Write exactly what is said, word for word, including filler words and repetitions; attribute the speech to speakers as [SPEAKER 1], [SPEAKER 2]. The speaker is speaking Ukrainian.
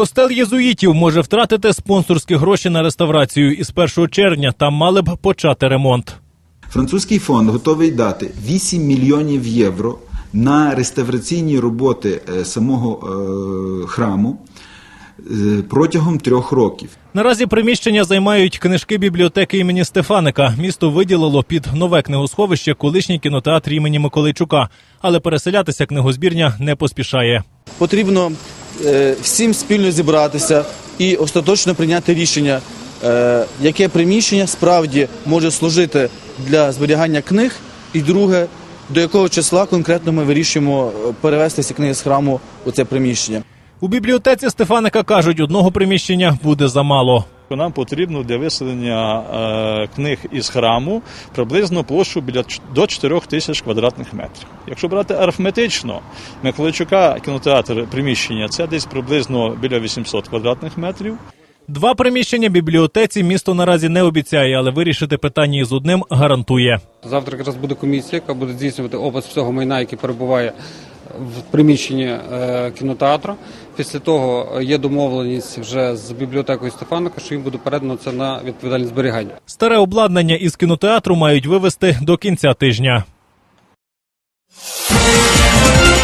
[SPEAKER 1] Костел єзуїтів може втратити спонсорські гроші на реставрацію. І з першого червня там мали б почати ремонт.
[SPEAKER 2] Французький фонд готовий дати вісім мільйонів євро на реставраційні роботи самого е, храму протягом трьох років.
[SPEAKER 1] Наразі приміщення займають книжки бібліотеки імені Стефаника. Місто виділило під нове книгосховище колишній кінотеатр імені Миколайчука. Але переселятися книгозбірня не поспішає.
[SPEAKER 3] Потрібно е, всім спільно зібратися і остаточно прийняти рішення, е, яке приміщення справді може служити для зберігання книг, і друге, до якого числа конкретно ми вирішуємо перевести ці книги з храму у це приміщення.
[SPEAKER 1] У бібліотеці Стефаника кажуть, одного приміщення буде замало.
[SPEAKER 4] Нам потрібно для виселення е, книг із храму приблизно площу біля до чотирьох тисяч квадратних метрів. Якщо брати арифметично, Миколайчука кінотеатр приміщення – це десь приблизно біля вісімсот квадратних метрів.
[SPEAKER 1] Два приміщення бібліотеці місто наразі не обіцяє, але вирішити питання із одним гарантує.
[SPEAKER 5] Завтра якраз буде комісія, яка буде здійснювати опис всього майна, який перебуває в приміщенні е, кінотеатру. Після того є домовленість вже з бібліотекою Стефаника, що їм буде передано це на відповідальне зберігання.
[SPEAKER 1] Старе обладнання із кінотеатру мають вивезти до кінця тижня.